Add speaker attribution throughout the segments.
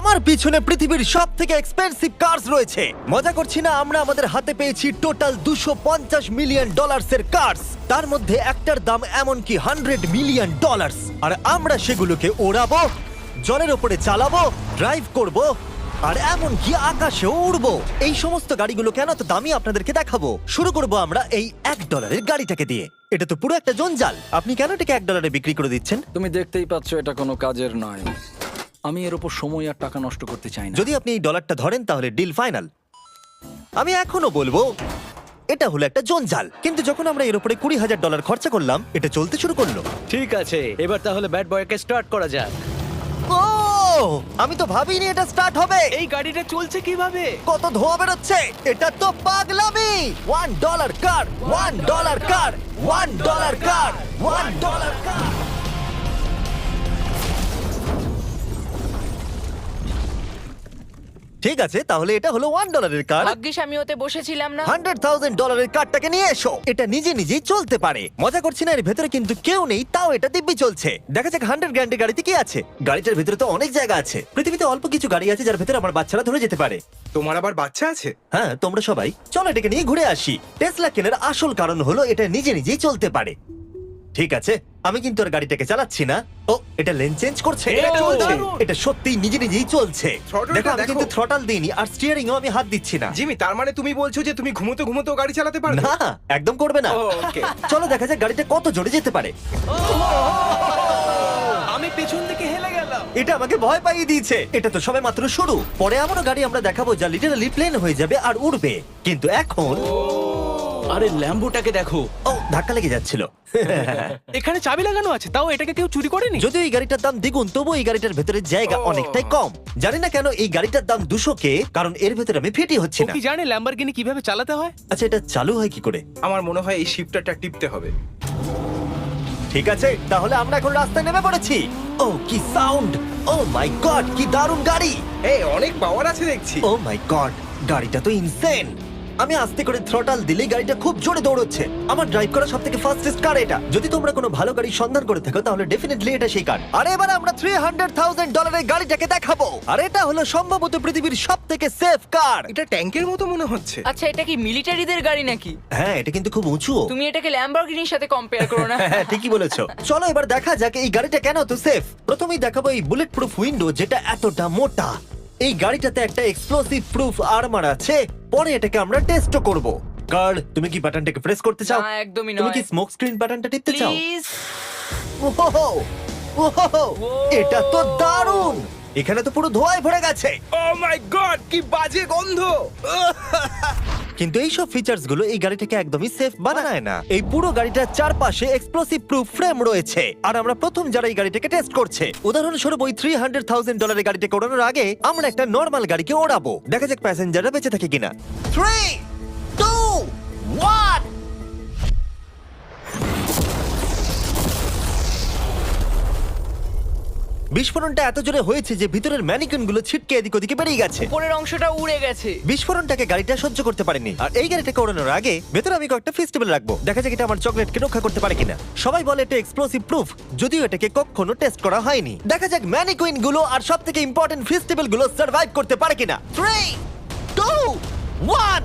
Speaker 1: আমার পিছনে পৃথিবীর সব থেকে এক্সপেন্সিভ কার্স রয়েছে। মজা করছি না, আমরা আমাদের হাতে পেয়েছি টোটাল $250 মিলিয়ন এর কার্স। তার মধ্যে একটার দাম এমনকি $100 মিলিয়ন। আর আমরা সেগুলোকে ওড়াবো, জলের ওপরে চালাবো, ড্রাইভ করব, আর এমনকি আকাশেও উড়বো। এই সমস্ত গাড়িগুলো কেন তো দামি আপনাদেরকে দেখাবো। শুরু করব আমরা এই $1 গাড়িটাকে দিয়ে। এটা তো পুরো একটা জঞ্জাল। আপনি কেন এটাকে $1 বিক্রি করে দিচ্ছেন?
Speaker 2: তুমি দেখতেই পাচ্ছ এটা কোনো কাজের নয়। আমি এর উপর সময় আর টাকা নষ্ট করতে চাই না।
Speaker 1: যদি আপনি এই ডলারটা ধরেন তাহলে ডিল ফাইনাল। আমি এখনো বলবো এটা হলো একটা জঞ্জাল, কিন্তু যখন আমরা এর উপরে $20,000 খরচা করলাম, এটা চলতে শুরু করলো।
Speaker 3: ঠিক আছে, এবার তাহলে ব্যাড বয়কে স্টার্ট করা যাক।
Speaker 1: ও, আমি তো ভাবিনি এটা স্টার্ট হবে।
Speaker 3: এই গাড়িটা চলছে কিভাবে?
Speaker 1: কত ধোঁয়া বেরোচ্ছে, এটা তো পাগলামি। $1 কার, $1 কার, $1 কার, $1 কার। ঠিক আছে, তাহলে এটা হলো $1 কার।
Speaker 4: ভাগ্যিস আমি ওতে বসেছিলাম না।
Speaker 1: $100,000 কারটাকে নিয়ে এসো। এটা নিজে নিজেই চলতে পারে। মজা করছি না, এর ভেতরে কিন্তু কেউ নেই, তাও এটা দিব্যি চলছে। দেখা যাক 100 গ্র্যান্ডের গাড়িতে কি আছে। গাড়িটার ভেতরে তো অনেক জায়গা আছে। পৃথিবীতে অল্প কিছু গাড়ি আছে যার ভেতরে আমার বাচ্চারা ধরে যেতে পারে।
Speaker 5: তোমার আবার বাচ্চা আছে?
Speaker 1: হ্যাঁ, তোমরা সবাই চলো এটাকে নিয়ে ঘুরে আসি। টেসলা কেনার আসল কারণ হলো এটা নিজে নিজেই চলতে পারে। ঠিক আছে, আমি কিন্তু আর গাড়িটাকে চালাচ্ছি না। ও, এটা লেন চেঞ্জ করছে।
Speaker 5: এটা চলছে।
Speaker 1: এটা সত্যিই নিজে নিজেই চলছে।
Speaker 5: Throttle-টা
Speaker 1: দেখো, আমি
Speaker 5: দেখো।
Speaker 1: কিন্তু থ্রটাল দিইনি, আর স্টিয়ারিংও আমি হাত দিচ্ছি না।
Speaker 5: জিমি, তার মানে তুমি বলছো যে তুমি ঘুমোতে ঘুমোতে গাড়ি চালাতে পারবে?
Speaker 1: না, একদম করবে না।
Speaker 5: ও, okay.
Speaker 1: চলো দেখা যাক গাড়িটা কত জোরে যেতে পারে।
Speaker 3: আমি পেছন থেকে হেলে গেলাম।
Speaker 1: এটা আমাকে ভয় পাইয়ে দিয়েছে। এটা তো সবে মাত্র শুরু। পরে এমনও গাড়ি আমরা দেখাবো যা লিটারালি প্লেন হয়ে যাবে আর উড়বে। কিন্তু এখন
Speaker 3: আরে ল্যাম্বোটাকে দেখো,
Speaker 1: ও, ধাক্কা লেগে যাচ্ছিল।
Speaker 3: এখানে চাবি লাগানো আছে, তাও এটাকে কেউ চুরি করেনি।
Speaker 1: যদিও এই গাড়িটার দাম দ্বিগুণ, তবু এই গাড়িটার ভেতরে জায়গা অনেকটাই কম। জানি না কেন এই গাড়িটার দাম 200K, কারণ এর ভেতরে আমি ফিটি হচ্ছে
Speaker 3: ও
Speaker 1: না।
Speaker 3: কি জানে ল্যাম্বরগিনি কিভাবে চালাতে হয়?
Speaker 1: আচ্ছা, এটা চালু হয় কি করে?
Speaker 5: আমার মনে হয় এই শিফটারটা টিপতে হবে।
Speaker 1: ঠিক আছে, তাহলে আমরা এখন রাস্তায় নেমে পড়েছি। ও, কি সাউন্ড! ও মাই গড, কি দারুণ গাড়ি!
Speaker 5: এই অনেক পাওয়ার আছে দেখছি।
Speaker 1: ও মাই গড, গাড়িটা তো ইনসেন। আমি আস্তে করে থ্রটাল দিলেই গাড়িটা খুব জোরে দৌড়চ্ছে। আমার ড্রাইভ করা সবথেকে ফাস্টেস্ট কার এটা। যদি তোমরা কোনো ভালো গাড়ির সন্ধান করে থাকো তাহলে ডেফিনেটলি এটা সেই কার। আর এবার আমরা $300,000 এর গাড়িটাকে দেখাবো। আর এটা হলো সম্ভবত পৃথিবীর সবথেকে সেফ কার।
Speaker 5: এটা ট্যাঙ্কের মতো মনে হচ্ছে।
Speaker 4: আচ্ছা, এটা কি মিলিটারিদের গাড়ি নাকি?
Speaker 1: হ্যাঁ, এটা কিন্তু খুব উঁচু।
Speaker 4: তুমি এটাকে ল্যাম্বরগিনির সাথে কম্পেয়ার করো না।
Speaker 1: হ্যাঁ, ঠিকই বলেছো। চলো এবার দেখা যাক এই গাড়িটা কেন তো সেফ। প্রথমেই দেখাবো এই বুলেট প্রুফ উইন্ডো, যেটা এতটা মোটা। এই গাড়িটাতে একটা এক্সপ্লোসিভ প্রুফ আর্মার আছে। পরে এটাকে আমরা টেস্টও করব। কার্ল, তুমি কি বাটনটাকে প্রেস করতে চাও?
Speaker 4: না, একদমই
Speaker 1: তুমি কি
Speaker 4: নয়।
Speaker 1: স্মোক স্ক্রিন বাটনটা টিপতে চাও?
Speaker 4: প্লিজ।
Speaker 1: ওহো, ওহো, এটা তো দারুণ। এখানে তো পুরো ধোঁয়ায় ভরে গেছে।
Speaker 5: ও মাই গড, কি বাজে গন্ধ!
Speaker 1: কিন্তু এই সব ফিচার্স গুলো এই গাড়িটাকে একদমই সেফ বানায় না। এই পুরো গাড়িটার চারপাশে এক্সপ্লোসিভ প্রুফ ফ্রেম রয়েছে। আর আমরা প্রথম যারা এই গাড়িটাকে টেস্ট করছে, উদাহরণস্বরূপ ওই $300,000 এর গাড়িটাকে ওড়ানোর আগে আমরা একটা নর্মাল গাড়িকে ওড়াবো। দেখা যাক প্যাসেঞ্জাররা বেঁচে থাকে কিনা। 3, 2, 1। বিস্ফোরণটা এত জোরে হয়েছে যে ভিতরের ম্যানিকুইন গুলো ছিটকে এদিক ওদিকে বেরিয়ে গেছে।
Speaker 4: উপরের অংশটা উড়ে গেছে।
Speaker 1: বিস্ফোরণটাকে গাড়িটা সহ্য করতে পারেনি। আর এই গাড়িটাকে ওড়ানোর আগে ভেতরে আমি কয়েকটা ফেস্টিভ্যাল রাখবো। দেখা যাক এটা আমার চকলেটকে রক্ষা করতে পারে কিনা। সবাই বলে এটা এক্সপ্লোসিভ প্রুফ, যদিও এটাকে কখনো টেস্ট করা হয়নি। দেখা যাক ম্যানিকুইন গুলো আর সবথেকে ইম্পর্টেন্ট ফেস্টিভ্যাল গুলো সার্ভাইভ করতে পারে কিনা। 3, 2, 1।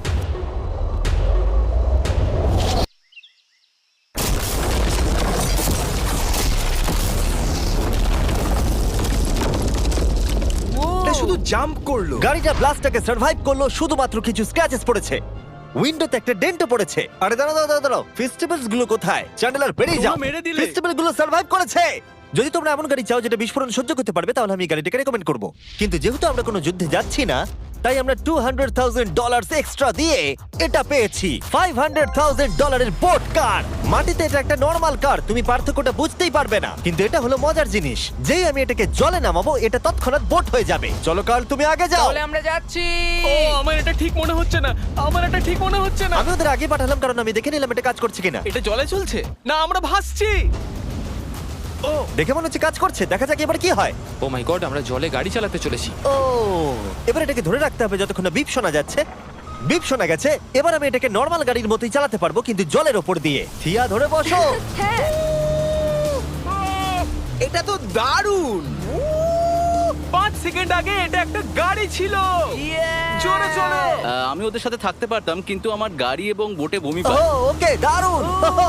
Speaker 5: এটা শুধু জাম্প করলো।
Speaker 1: গাড়িটা ব্লাস্টটাকে সার্ভাইভ করলো, শুধুমাত্র কিছু স্ক্র্যাচেস পড়েছে। উইন্ডোতে একটা ডেন্টও পড়েছে। আরে দাঁড়াও দাঁড়াও দাঁড়াও, ফেস্টিভ্যালস গুলো কোথায়? চ্যান্ডেলার বেরিয়ে যাও।
Speaker 3: তোমরা মেরে দিলে।
Speaker 1: ফেস্টিভ্যাল গুলো সার্ভাইভ করেছে। যদি তোমরা এমন গাড়ি চাও যেটা বিস্ফোরণ সহ্য করতে পারবে, তাহলে আমি এই গাড়িটাকে রেকমেন্ড করব। কিন্তু যেহেতু আমরা কোনো যুদ্ধে যাচ্ছি না, তাই আমরা $200,000 এক্সট্রা দিয়ে এটা পেয়েছি। $500,000 এর বোট কার। মাটিতে এটা একটা নর্মাল কার, তুমি পার্থক্যটা বুঝতেই পারবে না। কিন্তু এটা হলো মজার জিনিস, যেই আমি এটাকে জলে নামাবো এটা তৎক্ষণাৎ বোট হয়ে যাবে। চলো কার্ল, তুমি আগে যাও।
Speaker 4: তাহলে আমরা যাচ্ছি।
Speaker 3: ও, আমার এটা ঠিক মনে হচ্ছে না, আমার এটা ঠিক মনে হচ্ছে না।
Speaker 1: আমি ওদের আগে পাঠালাম কারণ আমি দেখে নিলাম এটা কাজ করছে কিনা।
Speaker 3: এটা জলে চলছে না, আমরা ভাসছি। ও,
Speaker 1: দেখে মনে হচ্ছে কাজ করছে। দেখা যাক এবার কি হয়।
Speaker 6: ও মাই গড, আমরা জলে গাড়ি চালাতে চলেছি।
Speaker 1: ও, এবার এটাকে ধরে রাখতে হবে যতক্ষণ না বিপ শোনা যাচ্ছে। বিপ শোনা গেছে। এবার আমি এটাকে নর্মাল গাড়ির মতোই চালাতে পারবো, কিন্তু জলের ওপর দিয়ে। থিয়া, ধরে বসো।
Speaker 4: হ্যাঁ।
Speaker 5: এটা তো দারুণ।
Speaker 3: 5 সেকেন্ড আগে এটা একটা গাড়ি ছিল। জোরে চলো।
Speaker 7: আমি ওদের সাথে থাকতে পারতাম কিন্তু আমার গাড়ি এবং বোটে বমি
Speaker 1: ও
Speaker 7: পায়।
Speaker 1: ওকে দারুণ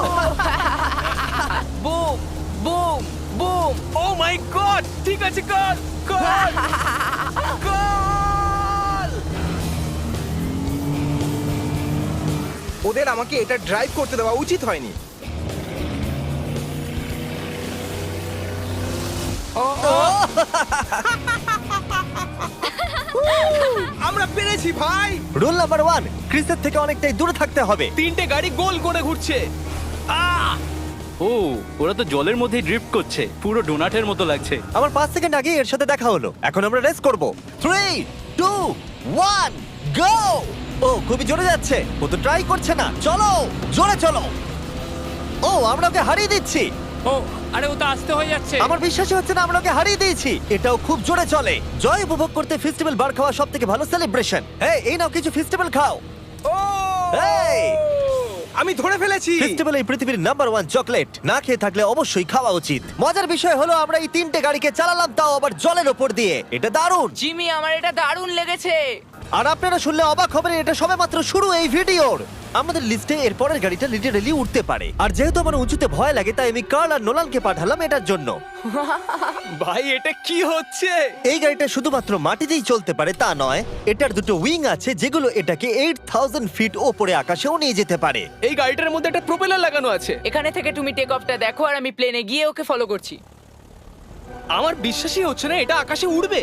Speaker 4: boom boom boom.
Speaker 3: Oh my God, ঠিক আছে, কর কর কর।
Speaker 5: ওদের আমাকে এটা ড্রাইভ করতে দেওয়া উচিত হয়নি। আমরা পেরেছি ভাই।
Speaker 1: রুল নাম্বার 1, ক্রিসের থেকে অনেকটাই দূরে থাকতে হবে।
Speaker 3: 3টে গাড়ি গোল করে ঘুরছে।
Speaker 7: ও ওরা তো জলের মধ্যে ড্রিফট করছে, পুরো ডোনাটের মতো লাগছে।
Speaker 1: আমার 5 সেকেন্ড আগে এর সাথে দেখা হলো। এখন আমরা রেস করব। 3 2 1 গো। ও খুবই জোরে যাচ্ছে। ও তো ট্রাই করছে না। চলো জোরে চলো। ও আমরা ওকে হারিয়ে দিচ্ছি।
Speaker 6: ও আরে ও তো আসতে হয়ে যাচ্ছে।
Speaker 1: আমার বিশ্বাসই হচ্ছে না আমরা ওকে হারিয়ে দিয়েছি। এটাও খুব জোরে চলে। জয় উপভোগ করতে ফেস্টিভ্যাল বার খাওয়া সব থেকে ভালো সেলিব্রেশন। এই নাও কিছু ফেস্টিভ্যাল খাও।
Speaker 5: ও
Speaker 1: এই!
Speaker 5: আমি ধরে ফেলেছি।
Speaker 1: ফেস্টিভ্যাল এই পৃথিবীর নাম্বার 1 চকলেট। না খেয়ে থাকলে অবশ্যই খাওয়া উচিত। মজার বিষয় হলো আমরা এই 3টে গাড়িকে চালালাম, তাও আবার জলের ওপর দিয়ে। এটা দারুণ।
Speaker 4: জিমি, আমার এটা দারুণ লেগেছে।
Speaker 1: আর আপনারা শুনলে অবাক হবেন, এটা সবেমাত্র শুরু এই ভিডিওর। আমাদের লিস্টে এর পরের গাড়িটা লিটারালি উঠতে পারে। আর যেহেতু আমার উঁচুতে ভয় লাগে, তাই আমি কার্ল আর নোলানকে পাঠালাম এটার জন্য।
Speaker 3: ভাই এটা কি হচ্ছে?
Speaker 1: এই গাড়িটা শুধুমাত্র মাটিতেই চলতে পারে তা নয়, এটার দুটো উইং আছে যেগুলো এটাকে 8000 ফিট ওপরে আকাশেও নিয়ে যেতে পারে।
Speaker 3: এই গাড়িটার মধ্যে একটা প্রপেলার লাগানো আছে।
Speaker 4: এখানে থেকে তুমি টেক অফটা দেখো আর আমি প্লেনে গিয়ে ওকে ফলো করছি।
Speaker 3: আমার বিশ্বাসই হচ্ছে না এটা আকাশে উড়বে।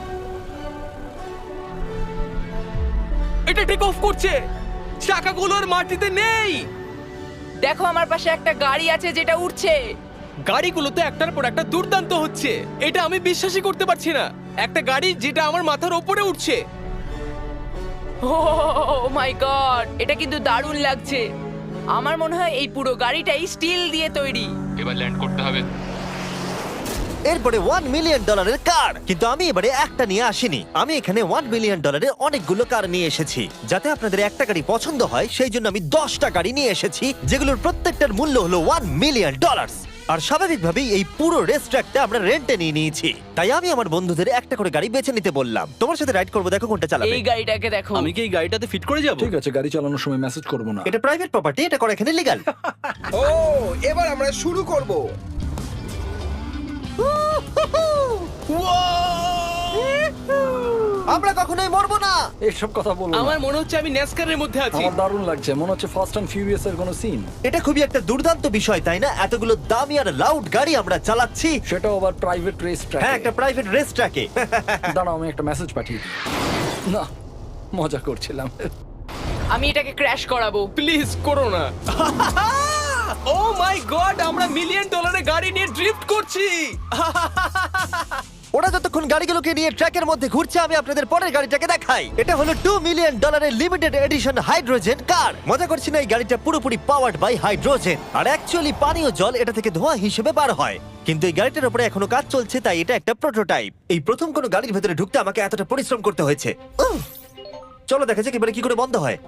Speaker 3: এটা টেক অফ করছে। চাকাগুলোর মাটিতে নেই।
Speaker 4: দেখো আমার পাশে একটা গাড়ি আছে যেটা উঠছে।
Speaker 3: গাড়িগুলোতে একটার পর একটা দুর্দান্ত হচ্ছে। এটা আমি বিশ্বাসই করতে পারছি না। একটা গাড়ি যেটা আমার মাথার ওপরে উঠছে।
Speaker 4: ও মাই গড, এটা কিন্তু দারুণ লাগছে। আমার মনে হয় এই পুরো গাড়িটাই স্টিল দিয়ে তৈরি।
Speaker 6: এবার ল্যান্ড করতে হবে।
Speaker 1: এরপরে $1 মিলিয়ন কার। কিন্তু আমি এবারে একটা নিয়ে আসিনি। আমি এখানে $1 মিলিয়ন অনেকগুলো কার নিয়ে এসেছি। যাতে আপনাদের একটা গাড়ি পছন্দ হয় সেই জন্য আমি 10টা গাড়ি নিয়ে এসেছি, যেগুলোর প্রত্যেকটার মূল্য হলো $1 মিলিয়ন। আর স্বাভাবিকভাবেই এই পুরো রেস ট্র্যাকটা আমরা রেন্টে নিয়ে নিয়েছি। তাই আমি আমার বন্ধুদের একটা করে গাড়ি বেছে নিতে বললাম। তোমার সাথে রাইড করবো, দেখো কোনটা চালাবে।
Speaker 4: এই গাড়িটাকে দেখো।
Speaker 7: আমি কি এই গাড়িটাতে ফিট করে যাব?
Speaker 2: ঠিক আছে, গাড়ি চালানোর সময় মেসেজ করবো না।
Speaker 1: এটা প্রাইভেট প্রপার্টি, এটা করা এখানে লিগ্যাল।
Speaker 5: ও এবার আমরা শুরু করব।
Speaker 1: আমরা কখনোই মরবো না।
Speaker 2: এইসব কথা বলবো
Speaker 3: আমার
Speaker 2: না।
Speaker 3: মনে হচ্ছে আমি ন্যাসকারের মধ্যে আছি।
Speaker 2: আমার দারুণ লাগছে, মনে হচ্ছে ফাস্ট অ্যান্ড ফিউরিয়াস এর কোনো সিন।
Speaker 1: এটা খুবই একটা দুর্দান্ত বিষয়, তাই না? এতগুলো দামি আর লাউড গাড়ি আমরা চালাচ্ছি।
Speaker 2: সেটাও আবার প্রাইভেট রেস ট্র্যাক।
Speaker 1: হ্যাঁ, একটা প্রাইভেট রেস ট্র্যাকে।
Speaker 2: দাঁড়াও, আমি একটা মেসেজ পাঠিয়ে দিই। না, মজা করছিলাম।
Speaker 4: আমি এটাকে ক্র্যাশ করাবো।
Speaker 3: প্লিজ করো না। ও মাই গড, আমরা $1 মিলিয়ন গাড়ি নিয়ে ড্রিফট করছি।
Speaker 1: ওরা যতক্ষণ গাড়িগুলোকে নিয়ে ট্র্যাকের মধ্যে ঘুরছে, আমি আপনাদের পরের গাড়িটাকে দেখাই। এটা হলো $2 million limited edition hydrogen car. মজা করছি না, এই গাড়িটা পুরোপুরি পাওয়ার্ড বাই হাইড্রোজেন। আর অ্যাকচুয়ালি পানীয় জল এটা থেকে ধোঁয়া হিসেবে বার হয়। কিন্তু এই গাড়িটার উপরে এখনো কাজ চলছে, তাই এটা একটা প্রোটোটাইপ। এই প্রথম কোনো গাড়ির ভেতরে ঢুকতে আমাকে এতটা পরিশ্রম করতে হয়েছে। চলো দেখা যাক এবারে কি করে বন্ধ হয়।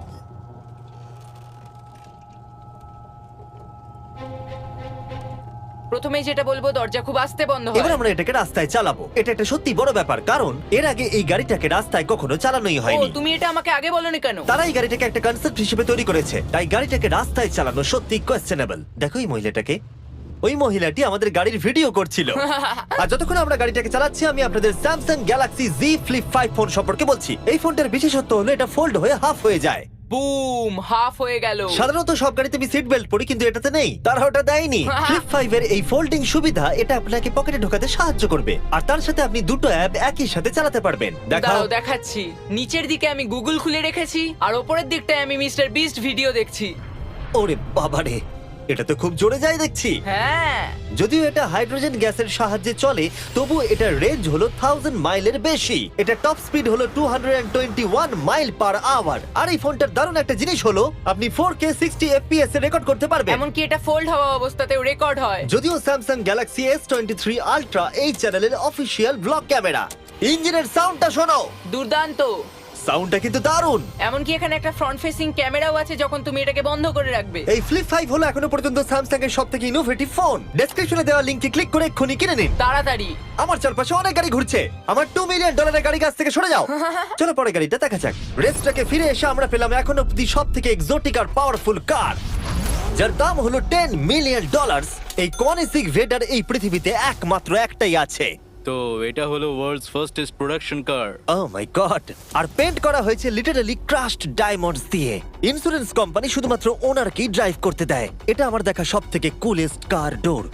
Speaker 4: প্রথমে যেটা বলবো, দরজা খুব আস্তে বন্ধ
Speaker 1: এবার
Speaker 4: হয়।
Speaker 1: আমরা এটাকে রাস্তায় চালাবো। এটা একটা সত্যি বড় ব্যাপার, কারণ এর আগে এই গাড়িটাকে রাস্তায় কখনো চালানোই
Speaker 4: ও,
Speaker 1: হয়নি।
Speaker 4: তুমি এটা আমাকে আগে বলনি কেন?
Speaker 1: তারা এই গাড়িটাকে একটা কনসেপ্ট হিসেবে তৈরি করেছে, তাই গাড়িটাকে রাস্তায় চালানো সত্যি কোয়েশ্চেনেবল। দেখো এই মহিলাটাকে। ওই মহিলাটি আমাদের গাড়ির ভিডিও করছিল। আর যতক্ষণ আমরা গাড়িটাকে চালাচ্ছি, আমি আপনাদের Samsung Galaxy Z Flip 5 phone সম্পর্কে বলছি। এই ফোনটার বিশেষত্ব হলো এটা ফোল্ড হয়ে হাফ হয়ে যায়।
Speaker 4: বুম, হাফ হয়ে গেল।
Speaker 1: সাধারণত সব গাড়িতে আমি সিট বেল্ট পরি, কিন্তু এটাতে নেই। তারা ওটা দেয়নি। ফ্লিপ 5 এর এই ফোল্ডিং সুবিধা এটা আপনাকে পকেটে ঢোকাতে সাহায্য করবে। আর তার সাথে আপনি দুটো অ্যাপ একই সাথে চালাতে পারবেন। দেখাও।
Speaker 4: দাঁড়াও, দেখাচ্ছি। নিচের দিকে আমি গুগল খুলে রেখেছি, আর ওপরের দিকটায় আমি মিস্টার বিস্ট ভিডিও দেখছি।
Speaker 1: ওরে বাবারে, এটা তো খুব জোরে যায় দেখছি।
Speaker 4: হ্যাঁ,
Speaker 1: যদিও এটা হাইড্রোজেন গ্যাসের সাহায্যে চলে, তবু এটার রেঞ্জ হলো 1000 মাইলের বেশি। এটা টপ স্পিড হলো 221 মাইল পার আওয়ার। আর এই ফোনটার দারুণ একটা জিনিস হলো আপনি 4K 60 FPS এ রেকর্ড করতে পারবেন।
Speaker 4: এমনকি এটা ফোল্ড হওয়া অবস্থাতেও রেকর্ড হয়।
Speaker 1: যদিও স্যামসাং গ্যালাক্সি S23 আলট্রা এই চ্যানেলের অফিসিয়াল ব্লগ ক্যামেরা। ইঞ্জিনের সাউন্ডটা শোনো।
Speaker 4: দুর্দান্ত।
Speaker 1: সাউন্ডটা কিন্তু দারুণ।
Speaker 4: এমনকি এখানে একটা ফ্রন্ট ফেসিং ক্যামেরাও আছে যখন তুমি এটাকে বন্ধ করে রাখবে।
Speaker 1: এই ফ্লিপ 5 হলো এখনো পর্যন্ত স্যামসাং এর সবথেকে ইনোভেটিভ ফোন। ডেসক্রিপশনে দেওয়া লিংকে ক্লিক করে এক্ষুনি কিনে নিন।
Speaker 4: তাড়াতাড়ি।
Speaker 1: আমার চারপাশে অনেক গাড়ি ঘুরছে। আমার $2 মিলিয়ন গাড়ি কাছ থেকে সরে যাও। চলো পরে গাড়িটা দেখা যাক। রেসটাকে ফিরে এসে আমরা পেলাম এখন অব্দি সবথেকে এক্সোটিক আর পাওয়ারফুল কার, যার দাম হলো $10 মিলিয়ন। এই কনিসিক ভেডার এই পৃথিবীতে একমাত্র একটাই আছে।
Speaker 7: তো এটা হলো world's fastest production car.
Speaker 1: Oh my God! আর পেন্ট করা হয়েছে লিটারালি ক্রাশড ডায়মন্ডস দিয়ে। ইন্স্যুরেন্স কোম্পানি শুধুমাত্র ওনারকেই ড্রাইভ করতে দেয়। এটা আমার দেখা সবথেকে কুলেস্ট কার ডোর।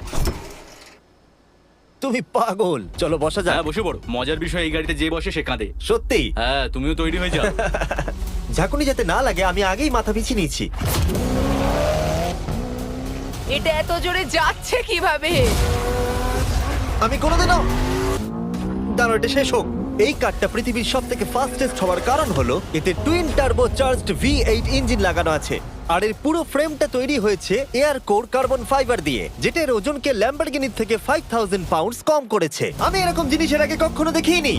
Speaker 1: তুমি পাগল। চলো বসা যাক।
Speaker 7: হ্যাঁ বসে পড়ো। মজার বিষয় এই গাড়িতে যে বসে সে কাঁদে।
Speaker 1: সত্যি
Speaker 7: হ্যাঁ তুমিও তৈরি হয়ে যাও।
Speaker 1: ঝাঁকুনি যাতে না লাগে আমি আগেই মাথা পিছিয়ে নিয়েছি।
Speaker 4: এটা এত জোরে যাচ্ছে কিভাবে?
Speaker 1: আমি কোনোদিনও দাঁড়ো, এটা শেষ হোক। এই কারটা পৃথিবীর সব থেকে ফাস্টেস্ট হওয়ার কারণ হলো এতে twin turbo charged V8 engine লাগানো আছে। আর এর পুরো ফ্রেমটা তৈরি হয়েছে এয়ার কোর কার্বন ফাইবার দিয়ে, যেটা এর ওজনকে ল্যাম্বরগিনির থেকে 5000 পাউন্ডস কম করেছে। আমি এরকম জিনিসের আগে কখনো দেখিনি।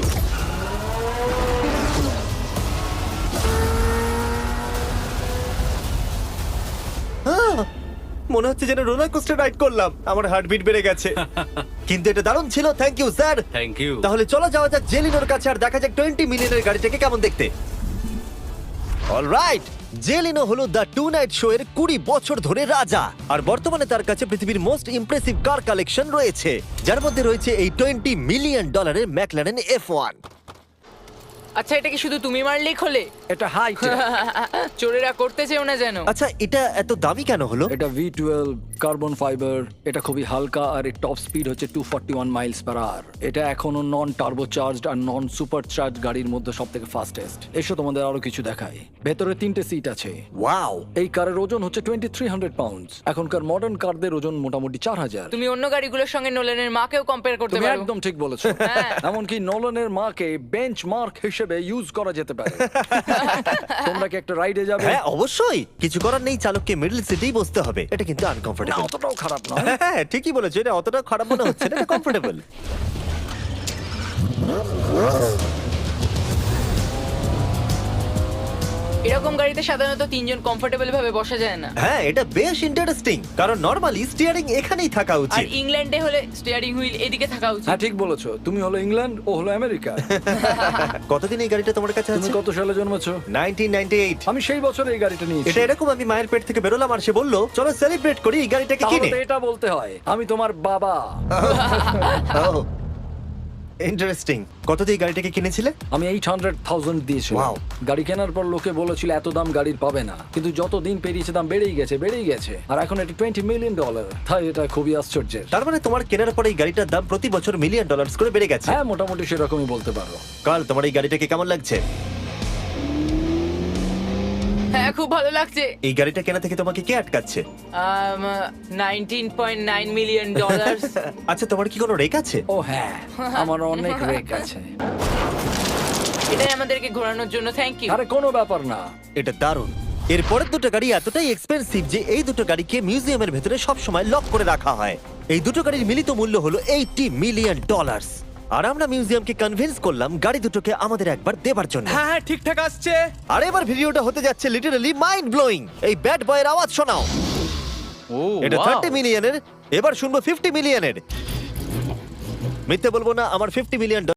Speaker 1: মনে হচ্ছে যেন রোলার কোস্টার রাইড করলাম। আমার হার্টবিট বেড়ে গেছে। কিন্তু এটা দারুণ ছিল। Thank you sir.
Speaker 7: Thank you.
Speaker 1: তাহলে চলো যাওয়া যাক জেলিনোর কাছে আর দেখা যাক 20 মিলিয়নের গাড়িটাকে কেমন দেখতে। অলরাইট, জেলিনো হলো দ্য টু নাইট শো এর 20 বছর ধরে রাজা। আর বর্তমানে তার কাছে পৃথিবীর মোস্ট ইমপ্রেসিভ কার কালেকশন রয়েছে, যার মধ্যে রয়েছে এই $20 মিলিয়ন ম্যাকলারেন F1।
Speaker 4: আচ্ছা, এটা কি শুধু তুমি মারলেই খোলে?
Speaker 2: এটা হাই।
Speaker 4: চোরেরা করতে চেও না যেন।
Speaker 1: আচ্ছা, এটা এত দামি কেন হলো?
Speaker 2: এটা V12 কার্বন ফাইবার। এটা খুবই হালকা আর এর টপ স্পিড হচ্ছে 241 মাইলস পার আওয়ার। এটা এখনো নন টার্বো চার্জড আর নন সুপার চার্জ গাড়ির মধ্যে সবথেকে ফাস্টেস্ট। এসো তোমাদের আরো কিছু দেখাই। ভেতরে 3টে সিট আছে।
Speaker 1: ওয়াও!
Speaker 2: এই কারের ওজন হচ্ছে 2300 পাউন্ডস। এখনকার মডার্ন কারদের ওজন মোটামুটি 4000।
Speaker 4: তুমি অন্য গাড়িগুলোর সঙ্গে নোলেনের মাকেও কম্পেয়ার করতে
Speaker 2: তুমি
Speaker 4: পারো।
Speaker 2: একদম ঠিক বলেছো।
Speaker 4: হ্যাঁ।
Speaker 2: এমনকি নোলানের মাকে বেঞ্চমার্ক হিসেবে ইউজ করা যেতে পারে। তোমরা কি একটা রাইডে যাবে?
Speaker 1: হ্যাঁ অবশ্যই। কিছু করার নেই, চালককে মিডল সিটেই বসতে হবে। এটা কিন্তু
Speaker 2: না,
Speaker 1: আনকমফোর্টেবল।
Speaker 2: অতটাও খারাপ না।
Speaker 1: হ্যাঁ ঠিকই বলেছো, এটা অতটা খারাপ মনে হচ্ছে না, এটা কমফোর্টেবল।
Speaker 4: এরকম গাড়িতে সাধারণত 3 জন কমফোর্টেবল ভাবে বসা যায় না।
Speaker 1: হ্যাঁ এটা বেশ ইন্টারেস্টিং, কারণ নরমালি স্টিয়ারিং এখানেই থাকা
Speaker 4: আর
Speaker 1: উচিত।
Speaker 4: ইংল্যান্ডে হলে স্টিয়ারিং হুইল এদিকে থাকা উচিত।
Speaker 2: হ্যাঁ ঠিক বলেছো। তুমি হলো ইংল্যান্ড, ও হলো আমেরিকা।
Speaker 1: কতদিন এই গাড়িটা তোমার কাছে
Speaker 2: তুমি
Speaker 1: আছে?
Speaker 2: কত সালে জন্মেছো?
Speaker 1: 1998।
Speaker 2: আমি সেই বছর এই গাড়িটা নিয়েছি।
Speaker 1: এটা এরকম, আমি মায়ের পেট থেকে বেরোলাম আর সে বলল চলো সেলিব্রেট করি এই গাড়িটাকে
Speaker 2: তাহলে
Speaker 1: কিনে।
Speaker 2: তো এটা বলতে হয় আমি তোমার বাবা।
Speaker 1: ইন্টারেস্টিং। কত দিয়ে এই গাড়িটাকে কিনেছিলে?
Speaker 2: আমি 800,000 দিয়েছি।
Speaker 1: Wow.
Speaker 2: গাড়ি কেনার পর লোকে বলেছিল এত দাম গাড়ির পাবে না, কিন্তু যত দিন পেরিয়েছে দাম বেড়েই গেছে। আর এখন এটি $20 মিলিয়ন। তাই এটা খুবই আশ্চর্যের।
Speaker 1: তার মানে তোমার কেনার পরে এই গাড়িটার দাম প্রতি বছর $1 মিলিয়ন করে বেড়ে গেছে।
Speaker 2: হ্যাঁ মোটামুটি সেরকমই বলতে পারো।
Speaker 1: কাল তোমার এই গাড়িটাকে কেমন লাগছে?
Speaker 4: হ্যাঁ খুব ভালো লাগছে।
Speaker 1: এই গাড়িটা কেনা থেকে তোমাকে কে আটকাচ্ছে?
Speaker 4: $19.9 মিলিয়ন।
Speaker 1: আচ্ছা তোমার কি কোনো রেক আছে?
Speaker 2: ও হ্যাঁ, আমার অনেক রেক আছে।
Speaker 4: এটাই আমাদেরকে ঘোরানোর জন্য থ্যাংক ইউ।
Speaker 2: আরে কোনো ব্যাপার না।
Speaker 1: এটা দারুণ। এর পরের দুটো গাড়ি এতটাই এক্সপেন্সিভ যে এই দুটো গাড়িকে মিউজিয়ামের ভেতরে সব সময় লক করে রাখা হয়। এই দুটো গাড়ির মিলিত মূল্য হলো $80 মিলিয়ন। আর আমরা মিউজিয়ামকে কনভিন্স করলাম গাড়ি দুটোকে আমাদের একবার দেবার জন্য।
Speaker 3: হ্যাঁ হ্যাঁ ঠিকঠাক আসছে।
Speaker 1: আর এবার ভিডিওটা হতে যাচ্ছে লিটারালি মাইন্ড ব্লোয়িং। এই ব্যাড বয়ের আওয়াজ শোনাও।
Speaker 7: ও
Speaker 1: এটা
Speaker 7: wow!
Speaker 1: 30 মিলিয়নের, এবার শুনবো $50 মিলিয়নের। মিথ্যে বলবো না, আমার $50 মিলিয়ন